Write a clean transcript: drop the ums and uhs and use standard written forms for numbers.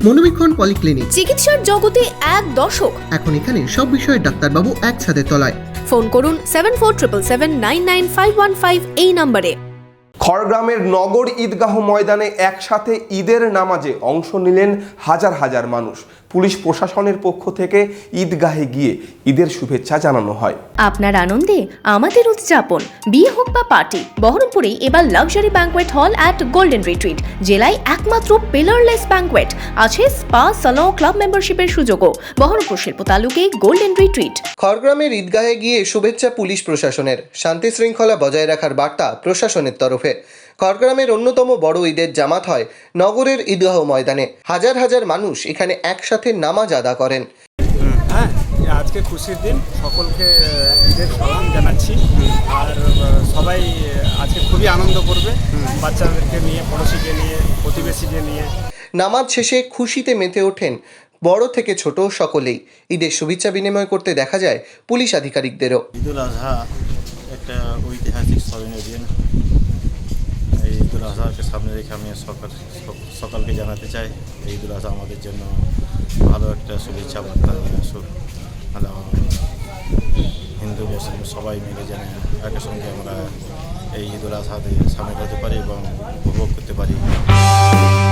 মনোবীক্ষণ polyclinic, চিকিৎসার জগতে এক দশক। এখন এখানে সব বিষয়ে ডাক্তারবাবু একসাথে তলায়। ফোন করুন 7477999515 এই নম্বরে। খড়গ্রামের নগর ঈদগাহ ময়দানে একসাথে ঈদের নামাজে অংশ নিলেন হাজার হাজার মানুষ। পুলিশ প্রশাসনের পক্ষ থেকে ঈদগাহে গিয়ে ঈদের শুভেচ্ছা জানানো হয়। আপনার আনন্দে আমাদের উদযাপন। বিয়ে হোক বা পার্টি, বহরমপুরে এবার luxury banquet hall at golden retreat. জেলায় একমাত্র পিলারলেস ব্যাঙ্কোয়েট, আছে স্পা, সালন, ক্লাব মেম্বারশিপের সুযোগও। বহরমপুর শিল্প তালুকে গোল্ডেন রিট্রিট। খড়গ্রামের ঈদগাহে গিয়ে শুভেচ্ছা পুলিশ প্রশাসনের। শান্তি শৃঙ্খলা বজায় রাখার বার্তা প্রশাসনের তরফে। খড়গ্রামের অন্যতম বড় ঈদের জামাত হয় নগরের ঈদগাহ ময়দানে। হাজার হাজার মানুষ এখানে একসাথে নামাজ আদা করেন। আজকে খুশির দিন, সকলকে ঈদের সালাম জানাচ্ছি। আর সবাই আজকে খুবই আনন্দ করবে, বাচ্চাদেরকে নিয়ে, পড়োশিকে নিয়ে, প্রতিবেশীকে নিয়ে। নামাজ শেষে খুশিতে মেতে ওঠেন বড় থেকে ছোট সকলেই। ঈদের শুভেচ্ছা বিনিময় করতে দেখা যায় পুলিশ আধিকারিকদেরও। ঈদুল আজহা একটা ঐতিহাসিক স্মরণীয় দিন। এই ঈদুল আজহাকে সামনে রেখে আমি সকালকে জানাতে চাই এই ঈদুল আজহা আমাদের জন্য ভালো একটা শুভেচ্ছা বার্তা নিয়ে আসুক। হিন্দু মুসলিম সবাই মিলে যেন একের সঙ্গে আমরা এই ঈদুল আজহাতে সামিল হতে পারি এবং উপভোগ করতে পারি।